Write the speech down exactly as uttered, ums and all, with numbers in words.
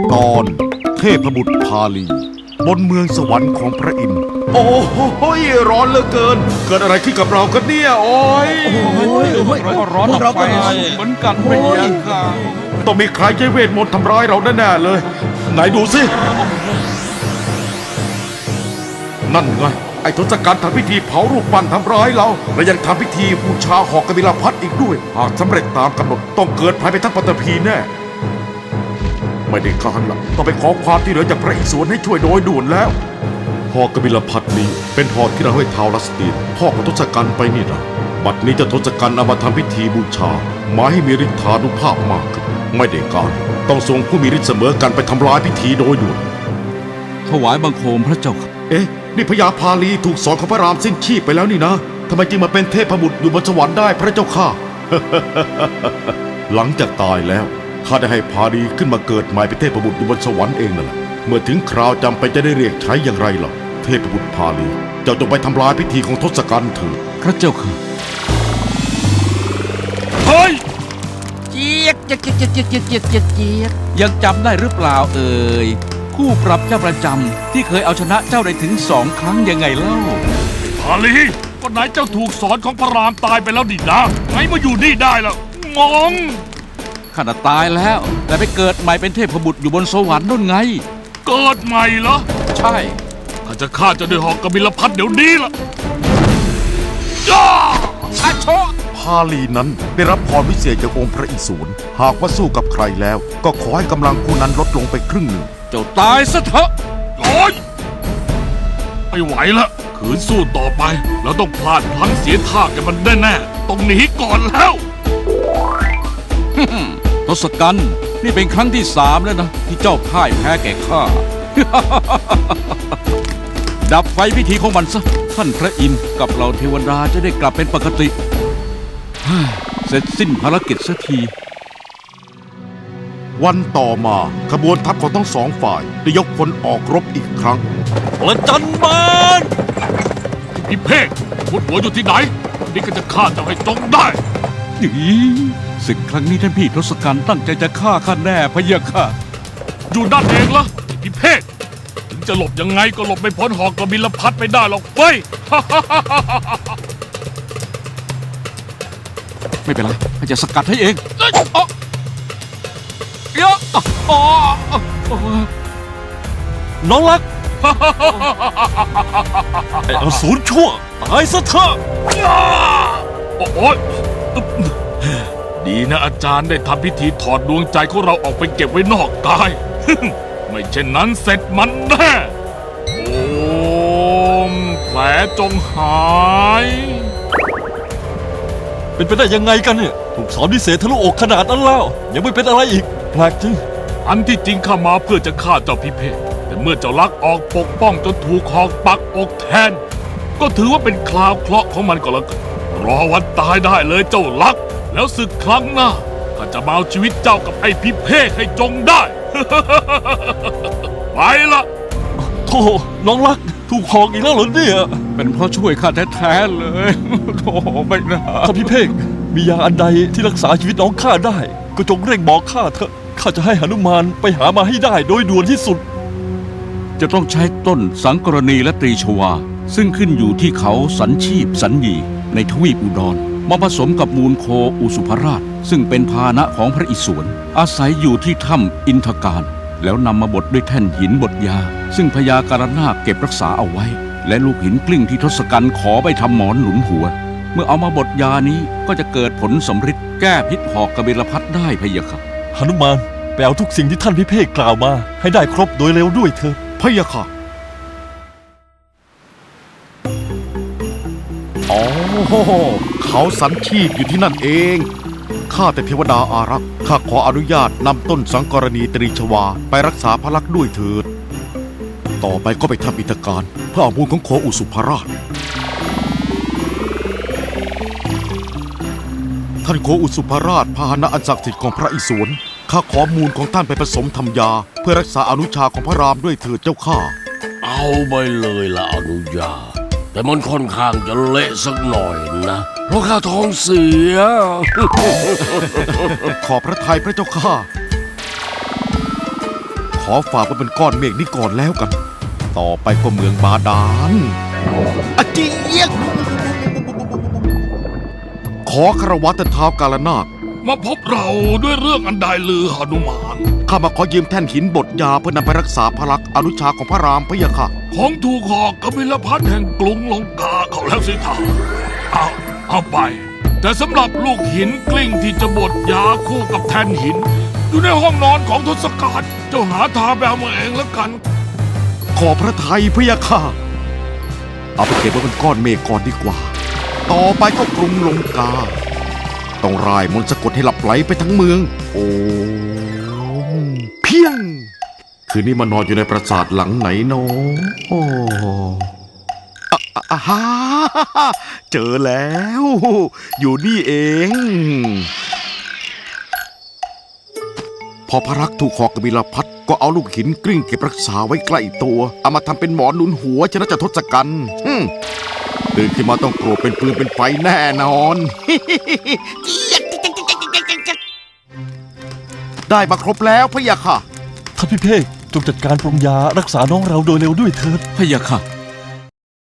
ตอนเทพบุตรพาลีบนเมืองสวรรค์ของพระอินทร์โอ้โหร้อนเหลือเกินเกิดอะไรขึ้นกับเรากันเนี่ยโอ้ยเราก็ร้อนออกไปเหมือนกันไม่เย็นค่ะต้องมีใครใช้เวทมนต์ทำร้ายเราแน่ๆเลยไหนดูสินั่นไงไอ้ทศกัณฐ์ทำพิธีเผารูปปั้นทำร้ายเราและยังทำพิธีบูชาหอกกบิลพัทอีกด้วยหากสำเร็จตามกำหนดต้องเกิดภัยไปทั้งปฐพีแน่ไม่ได้การละต้องไปขอความที่เหลือจากพระอิศวรให้ช่วยโดยด่วนแล้วหอกกบิลพัทนี้เป็นหอกที่เราให้ท้าวรัสตีนพ่อของทศกัณฐ์ไปนี่นะบัดนี้เจะทศกัณฐ์เอามาทำพิธีบูชาหมายให้มีฤทธานุภาพมากขึ้นไม่ได้การต้องส่งผู้มีฤทธิ์เสมอกันไปทำลายพิธีโดยด่วนถวายบังคมพระเจ้าค่ะเอ๊ะนี่พญาพาลีถูกสอนของพระรามสิ้นชีพไปแล้วนี่นะทำไมจึงมาเป็นเทพบุตรอยู่บนสวรรค์ได้พระเจ้าข้า หลังจากตายแล้วข้าได้ให้พาลีขึ้นมาเกิดใหม่เป็นเทพบุตรอยู่บนสวรรค์เองนั่นแหละเมื่อถึงคราวจำเป็นจะได้เรียกใช้อย่างไรล่ะเทพบุตรพาลีเจ้าจงไปทำลายพิธีของทศกัณฐ์เถิดพระเจ้าค่ะเฮ้ยเจี๊ยกเจี๊ยกเจี๊ยกเจี๊ยกเจี๊ยกเจี๊ยกเจี๊ยกยังจำได้หรือเปล่าเอ่ยคู่ปรับเจ้าประจำที่เคยเอาชนะเจ้าได้ถึงสองครั้งยังไงเล่าพาลีก็ไหนเจ้าถูกสอนของพระรามตายไปแล้วดินะไงมาอยู่นี่ได้ล่ะงงข้าน่ะตายแล้ว แต่ไปเกิดใหม่เป็นเทพบุตรอยู่บนสวรรค์นู่นไงเกิดใหม่เหรอใช่ข้าจะฆ่าเจ้าด้วยหอกกบิลพัทเดี๋ยวนี้ล่ะย่าอาโชพาลีนั้นได้รับพรวิเศษจากองค์พระอิศวรหากว่าสู้กับใครแล้ว ก็ขอให้กำลังผู้นั้นลดลงไปครึ่งหนึ่งเจ้าตายซะเถอะโอ้ยไม่ไหวละขืนสู้ต่อไปเราต้องพลาดพลั้งเสียท่ากันมันแน่ๆต้องหนีก่อนแล้วทศกัณฐ์นี่เป็นครั้งที่สามแล้วนะที่เจ้าพ่ายแพ้แก่ข้า ดับไฟพิธีของมันซะท่านพระอินทร์กับเหล่าเทวดาจะได้กลับเป็นปกติ เสร็จสิ้นภารกิจสักทีวันต่อมาขบวนทัพของทั้งสองฝ่ายได้ยกพลออกรบอีกครั้งประจันบานพี่เพ่งพุดหัวอยู่ที่ไหนนี่ก็จะฆ่าเจ้าให้จงได้อีศึกครั้งนี้ท่านพี่ทศกัณฐ์ตั้งใจจะฆ่าข้าแน่พะเยะค่ะอยู่ด้านเองเหรอพี่เพ่งถึงจะหลบยังไงก็หลบไม่พ้นหอกกบิลพัทไปได้หรอกเว้ยไม่เป็นไรข้าจะสกัดให้เองเอ้ยอ๊ะเยอะอ๊ะอ๊ะอ๊ะน้องรัก ไอ้อสูรชั่วตายซะเถอะโอ้ยดีนะอาจารย์ได้ทำพิธีถอดดวงใจของเราออกไปเก็บไว้นอกกาย ไม่เช่นนั้นเสร็จมันแน่โอมแผลจงหายเป็นไปได้ยังไงกันเนี่ยถูกสอนพิเศษทะลุอกขนาดนั้นแล้วยังไม่เป็นอะไรอีกแปลกจริงอันที่จริงข้ามาเพื่อจะฆ่าเจ้าพิเภกแต่เมื่อเจ้าลักออกปกป้องจนถูกหอกปักอกแทน ก็ถือว่าเป็นคราวเคราะห์ของมันก็แล้วกันรอวันตายได้เลยเจ้าลัก แล้วศึกครั้งหน้าข้าจะมาเอาชีวิตเจ้ากับไอ้พิเภกให้จงได้ ไปละโธ่น้องรักถูกหอกอีกแล้วเหรอเนี่ยเป็นเพราะช่วยข้าแท้ๆเลย โธ่ไม่น่าถ้าพี่เพ่งมียาอันใดที่รักษาชีวิตน้องข้าได้ ก็จงเร่งบอกข้าเถอะข้าจะให้หนุมานไปหามาให้ได้โดยด่วนที่สุดจะต้องใช้ต้นสังกรณีและตรีชวา ซึ่งขึ้นอยู่ที่เขาสันชีพสันยีในทวีปอุดร มาผสมกับมูลโคอุสุภราช ซึ่งเป็นพาหนะของพระอิศวรอาศัยอยู่ที่ถ้ำอินทการ แล้วนำมาบดด้วยแท่นหินบดยา ซึ่งพญาการนาคเก็บรักษาเอาไว้ และลูกหินกลิ้งที่ทศกัณฐ์ขอไปทำหมอนหนุนหัว เมื่อเอามาบดยานี้ก็จะเกิดผลสำฤทธิ์แก้พิษหอกกบิลพัทได้พะเยะค่ะหนุมานไปเอาทุกสิ่งที่ท่านพิเภกกล่าวมา ให้ได้ครบโดยเร็วด้วยเถอะพะยะค่ะอ๋อเขาสันชีพอยู่ที่นั่นเองข้าแต่เทวดาอารักษ์ข้าขออนุญาตนำต้นสังกรณีตรีชวาไปรักษาพระลักษณ์ด้วยเถิดต่อไปก็ไปทำอิทการเพื่อเอามูลของโคอุสุภราชท่านโคอุสุภราชพาหนะอันศักดิ์สิทธิ์ของพระอิศวรข้าขอมูลของท่านไปผสมทำยาเพื่อรักษาอนุชาของพระรามด้วยเถิดเจ้าข้าเอาไปเลยละอนุญาตแต่มันค่อนข้างจะเละสักหน่อยนะเพราะข้าท้องเสียขอพระทัยพระเจ้าข้าขอฝากไว้เป็นก้อนเมฆนี้ก่อนแล้วกัน ต่อไปก็เมืองบาดาลอาเจียกขอคารวะแต่เท้าวกาลนาคมาพบเราด้วยเรื่องอันใดลือหนุมานข้ามาขอยืมแท่นหินบดยาเพื่อนำไปรักษาพลักษ์อนุชาของพระรามพะยะค่ะของถูกหอกกบิลพัทแห่งกรุงลงกาเขาแล้วสิท่าเอาเอาไป แต่สำหรับลูกหินกลิ้งที่จะบดยาคู่กับแท่นหิน อยู่ในห้องนอนของทศกัณฐ์เจ้าหาทางไปเอามาเองแล้วกันขอพระทัยพะยะค่ะ เอาไปเก็บไว้เป็นก้อนเมฆก่อนดีกว่า ต่อไปก็กรุงลงกา ต้องร่ายมนต์สะกดให้หลับไหลไปทั้งเมือง โอ้เพียง คืนนี้มานอนอยู่ในปราสาทหลังไหนเนอะโอ้อะอะอะฮ่าเจอแล้ว อยู่นี่เอง พอพระรักษ์ถูกหอกกบิลพัทก็เอาลูกหินกลิ้งเก็บรักษาไว้ใกล้ตัว เอามาทำเป็นหมอนหนุนหัวชนะจะทศกัณฐ์ฮึ่มตื่นขึ้นมาต้องโกรธเป็นปืนเป็นไฟแน่นอน ได้มาครบแล้วพะยะค่ะท่านพี่เภกจงจัดการปรุงยารักษาน้องเราโดยเร็วด้วยเถิดพะยะค่ะ